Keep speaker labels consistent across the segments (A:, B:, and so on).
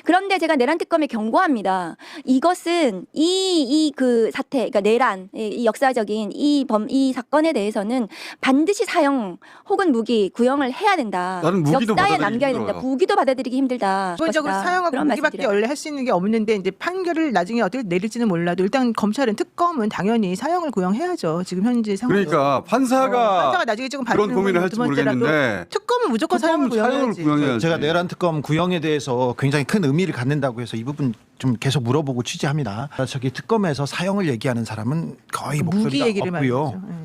A: 그런데 제가 내란 특검에 경고합니다. 이것은 이 그 사태, 그러니까 내란, 이 역사적인 이 사건에 대해서는 반드시 사형 혹은 무기 구형을 해야 된다.
B: 나는 무기도
A: 역사에
B: 받아들이기
A: 남겨야 된다.
B: 힘들어요.
A: 무기도 받아들이기 힘들다.
C: 기본적으로
A: 것이다.
C: 사형하고
A: 그런
C: 무기밖에
A: 말씀드려요.
C: 원래 할 수 있는 게 없는데 이제 판결을 나중에 어떻게 내릴지는 몰라도 일단 검찰은 특검은 당연히 사형을 구형해야죠. 지금 현재 상황.
B: 그러니까 판사가
C: 나중에 지금
B: 그런
C: 받는
B: 고민을
C: 건
B: 할지
C: 두 번째라도
B: 모르겠는데
C: 특검은 무조건 사형을 구형해야지.
B: 구형해야지.
D: 제가 내란 특검 구형에 대해서 굉장히 큰 의미를 갖는다고 해서 이 부분 좀 계속 물어보고 취재합니다. 저기 특검에서 사형을 얘기하는 사람은 거의
C: 무기
D: 목소리가
C: 얘기를
D: 없고요.
C: 많이 하죠. 예.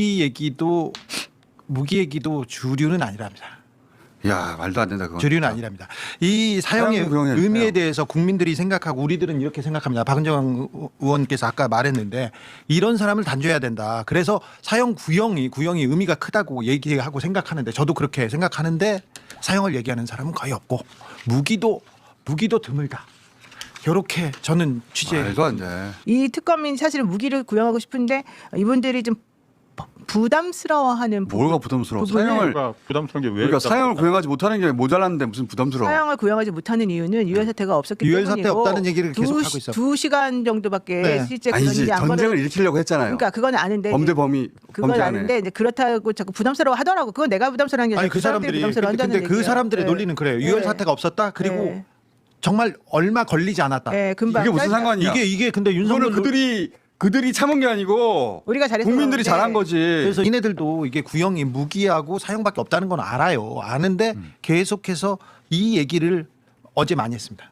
D: 무기 얘기도 주류는 아니랍니다.
B: 야 말도 안 된다 그건.
D: 주류는 아니랍니다. 이 사형의
B: 사형 구형해야
D: 의미에
B: 돼요.
D: 대해서 국민들이 생각하고 우리들은 이렇게 생각합니다. 박은정 의원께서 아까 말했는데 이런 사람을 단죄해야 된다. 그래서 사형 구형이 의미가 크다고 얘기하고 생각하는데 저도 그렇게 생각하는데 사형을 얘기하는 사람은 거의 없고 무기도 드물다. 이렇게 저는 취재.
B: 말도 안 돼.
C: 이 특검이 사실은 무기를 구형하고 싶은데 이분들이 좀 부담스러워하는
B: 뭐가 부담스러워?
C: 부분을
B: 사형을
E: 부담스러운 게 왜?
B: 그러니까 사형을 구형하지 못하는 게 모자랐는데 무슨 부담스러워?
C: 사형을 구형하지 못하는 이유는 유혈 사태가 없었기
D: 유혈
C: 때문이고
D: 사태 없다는 얘기를 계속 하고 있어요.
C: 2시간 정도밖에
D: 네.
C: 실제
B: 아니지
C: 그런 안
B: 전쟁을
C: 벌어-
B: 일으키려고 했잖아요.
C: 그러니까 그건 아는데
B: 범죄 범위
C: 그건
B: 범죄 안에.
C: 아는데 이제 그렇다고 자꾸 부담스러워 하더라고. 그건 내가 부담스러운 게 아니라
D: 아니 그 사람들이
C: 부담스러워
D: 근데
C: 한다는
D: 그
C: 얘기예요.
D: 사람들의
C: 네.
D: 논리는 그래요. 유혈
C: 네.
D: 사태가 없었다. 그리고
C: 네.
D: 정말 얼마 걸리지 않았다.
C: 네, 금방
B: 이게 무슨 상관이야?
D: 이게 근데
B: 이거는
D: 윤석열
B: 그들이 참은 게 아니고
C: 우리가 잘해서
B: 국민들이
C: 그런데.
B: 잘한 거지.
D: 그래서 이네들도 이게 구형이 무기하고 사형밖에 없다는 건 알아요. 아는데 계속해서 이 얘기를 어제 많이 했습니다.